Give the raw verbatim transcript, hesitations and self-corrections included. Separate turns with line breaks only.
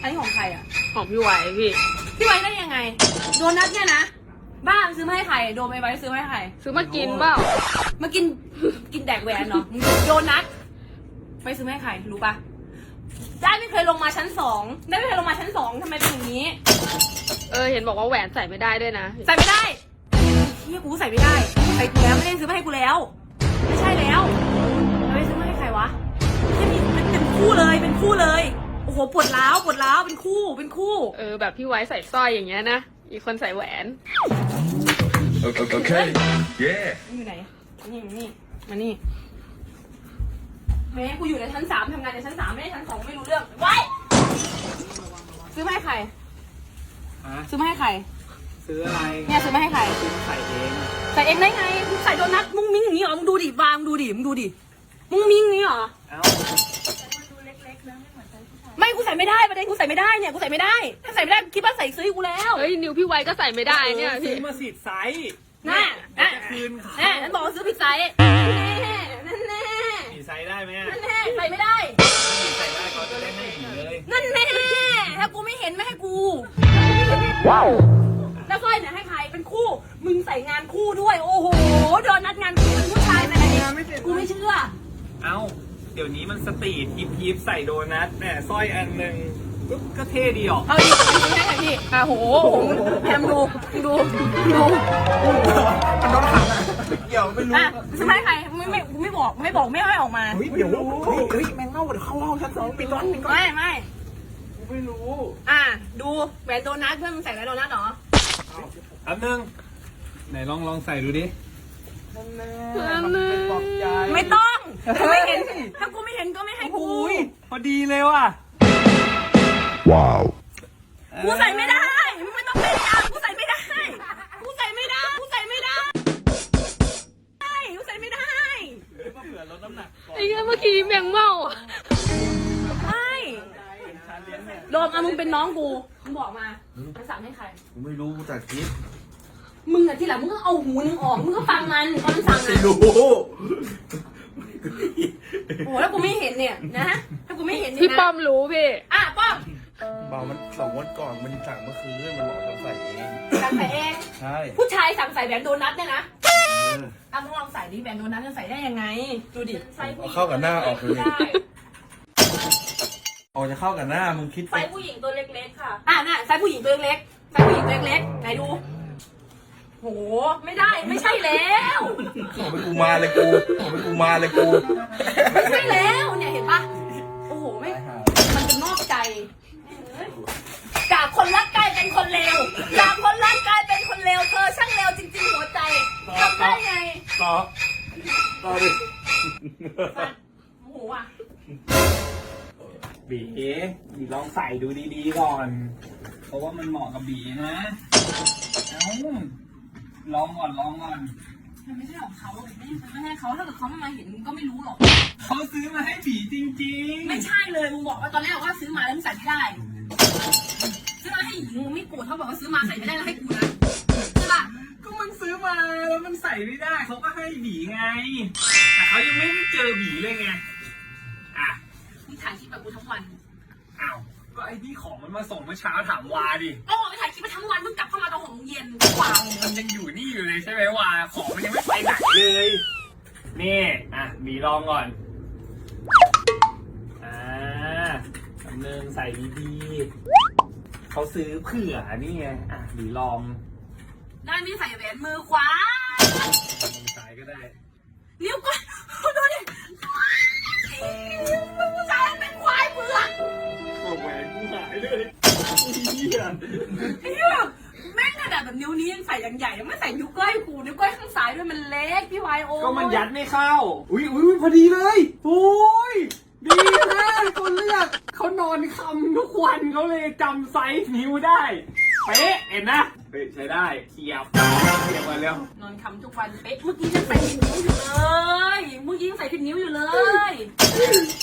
อันนี้ของใครอ่ะ
ของพี่ไว้พี่
พี่ไว้ได้ยังไงโดนัทเนี่ยนะบ้านซื้อมาให้ใครโดนไปไว้ซื้อมาให้ใคร
ซื้อมากินเปล่า
มากินกินแดกแหวนเนาะโดนัทไปซื้อมาให้ใครรู้ปะได้ไม่เคยลงมาชั้นสองได้ไม่เคยลงมาชั้นสองทำไมเป็นอย่างนี้
เออเห็นบอกว่าแหวนใส่ไม่ได้ด้วยนะ
ใส่ไม่ได้ที่กูใส่ไม่ได้ใส่กูแล้วไม่ได้ซื้อมาให้กูแล้วไม่ใช่แล้วแล้วไปซื้อมาให้ใครวะที่นี่เป็นเป็นคู่เลยเป็นคู่เลยโอ้โหปวดร้าวปวดร้าวเป็นคู่เป็นคู่
เออแบบพี่ไว้ใส่สร้อยอย่างเงี้ยนะอีกคนใส่แหวน
โอเคโอเคเย่
อยู่ไหนนี่มานี่มานี่แม่กูอยู่ในชั้นสามทำงานในชั้นสามไม่ได้ชั้นสองไม่รู้เรื่องไว้ซื้อมาให้ใครซื้อมาให้ใคร
ซื้ออะไร
เนี่ยซื้อมาให้ใคร
ใส่เอง
ใส่เองได้ไงมึงใส่โดนัทมุ้งมิ้งอย่างนี้เหรอมึงดูดิวางดูดิมึงดูดิมุ้งมิ้งอย่างนี้เหรอ
เอ้า
ไม่กูใส่ไม่ได้ประเด็นกูใส่ไม่ได้เนี่ยกูใส่ไม่ได้ถ้าใส่ไม่ได้คิดว่าใส่ซื้อกูแล้ว
เฮ้ยนิวพี่ไว้ก็ใส่ไม่ได้เนี่ย
ซื้อมาสิไซส์
น่ะน่ะ
คืนเขา
แน่ฉันบอกว่าซื้อผิดไซส์แน่นั่นแน่
ผิดไซส์ได้ไหม
นั่นแน่ใส่ไม่ได้
ใส่ได้เขาจะได้ให้ผีเลย
นั่นแน่ถ้ากูไม่เห็นไม่ให้กู
ว้าว
แล้วสร้อยเนี่ยให้ใครเป็นคู่มึงใส่งานคู่ด้วยโอ้โหโดนนัดงานคู่เป็นผู้ชายไปไหนกูไม่เชื่อ
เอ้าเดี๋ยวนี้มันสตรีทฮิปฮิปใส่โดนัทแหมสร้อยอันหนึ่งก็เท่ดีออก
เอาดิไม่ใช่ไงพี่อ่ะโหแพมดูดูดู
มันโดนขังอ่ะเกี่ยวไม่รู้
อ่ะซื้อให้ใครไม่ไม่ไม่บอกไม่บอกไม่ให้ออกมา
เฮ้ยเดี๋ยวเฮ้ยแมงเง่าเดี๋ยวเข้าห้องชั้นสองปิดก่อนปิดก่อน
ไม่ไม่
กูไม่รู้
อ่ะดูแหวนโดนัทเพื่อนมึงใส่แหวนโดนัทเหรอ
อันนึงไหนลองลองใส่ดูดิ
ไม่ต้องถ้าไม่เห็นถ้ากูไม่เห็นก็ไม่ให้กู
พอดีเลยว่ะ
ว้าว
กูใส่ไม่ได้มึงไม่ต้องพยายามกูใส่ไม่ได้กูใส่ไม่ได้กูใส่ไม่ได้กูใส่ไม่ได้
เผื่อลดน้ำหนัก
ไอ้เงี้ยเมื่อกี้แมงเม่า
ใช่โดมอ่ะมึงเป็นน้องกูมึงบอกมามันสั่งให้ใคร
กูไม่รู้กูตัดคลิป
มึงอะที่หลังมึงก็เอาหูนึงออกมึงก็ฟังมันตอนมันสั่งอะ
ไม่รู้
โอ้แล้วกูไม่เห็นเนี่ยนะถ้ากูไม่เห็น
พี่ป้อมรู้พี่
อ่ะป้อม
เบามันสองวันก่อนมันสั่งเมื่อคืนมันบอกสั่งใส่เอง
สั่งใส่เอง
ใช่
ผู้ชายสั่งใส่แหวนโดนัทเนี่ยนะอ่ะมึงลองใส่ดิแหวนโดนัทจะใส่ได้ยังไงดูดิ
ใส่เข้ากับหน้าออกเลยออกจะเข้ากับหน้ามึงคิด
ใส่ผู้หญิงตัวเล็กๆค่ะอ่ะน่ะใส่ผู้หญิงตัวเล็กใส่ผู้หญิงตัวเล็กไหนดูโหไม่ได้ไม่ใช่แล้ว
ขอไปกูมาเลยกูขอไปกูมาเลยกู
ไม่ใช่แล้วเนี่ยเห็นปะโอ้โหไม่มันจะนอกใจจากคนรักกลายเป็นคนเลวจากคนรักกลายเป็นคนเลวเธอช่างเลวจริงๆหัวใจทำได้ไง
ต่อต่อดิ
โอ้โหอ่ะ
บีบีลองใส่ดูดีๆก่อนเพราะว่ามันเหมาะกับบีนะเอ้าลองก่อนลองก่อน
มันไม่ใช่ของเขาไม่ไม่ใช่เขาถ้าเกิดเขาไม่มาเห็นก็ไม่รู้หรอก
เขาซื้อมาให้บีจริง
ๆไม่ใช่เลยมึงบอกว่าตอนแรกว่าซื้อมาแล้วมึงใส่ไม่ได้ซื้อมาให้หญิงมึงไม่โกรธเขาบอกว่าซื้อมาใส่ไม่ได้แล้วให้กูนะใช่ป่ะ
ก็มันซื้อมาแล้วมันใส่ไม่ได้เขาก็ให้บีไงแต่เขายังไม่ได้เจอบีเลยไงอ่ะ
มึงถ่ายคลิปแบบกูทั้งวัน
อ้าวก็ไอ้ที่ของมันมาส่งเมื่อเช้าถามวาดิ
ก็ไปถ่ายคลิปมาทั้งวันมึงกลับเข้ามาตอนหกโมงเย็นวาง
มันยังอยู่นี่อยู่เลยใช่ไหมวาของมันยังไม่ไปไหนเลยนี่อ่ะบีลองก่อนอ่าคำนึงใส่ดีๆเขาซื้อเผื่อนี่ไงอ่ะบีลอง
ได้ไม่ใส่แหวนมือขวา
มือซ้ายก็ได้
นิ้วก้อยดูดิมือซ้ายเป็นควายเผือก
แหวนกูหายเลยเฮีย
เฮียแม่งขนาดแบบนิ้วนี้ยังใส่อย่างใหญ่ยังไม่ใส่นิ้วก้อยกูนิ้วก้อยข้างซ้ายด้วยมันเล็กพี่วายโอ
ก็มันยัดไม่เข้าอุ้ยอุ้ยพอดีเลยโอ้ยดีนะคนเลือกเขานอนคำทุกวันเขาเลยจำไซส์นิ้วได้เป๊ะเห็นนะเฮ้ยใช้ได้เทียบเทียบมาแล้ว
นอนคำทุกวันเป๊ะเมื่อกี้ยังใส่ผิดนิ้วอยู่เลยเมื่อกี้ยังใส่ผิดนิ้วอยู่เลย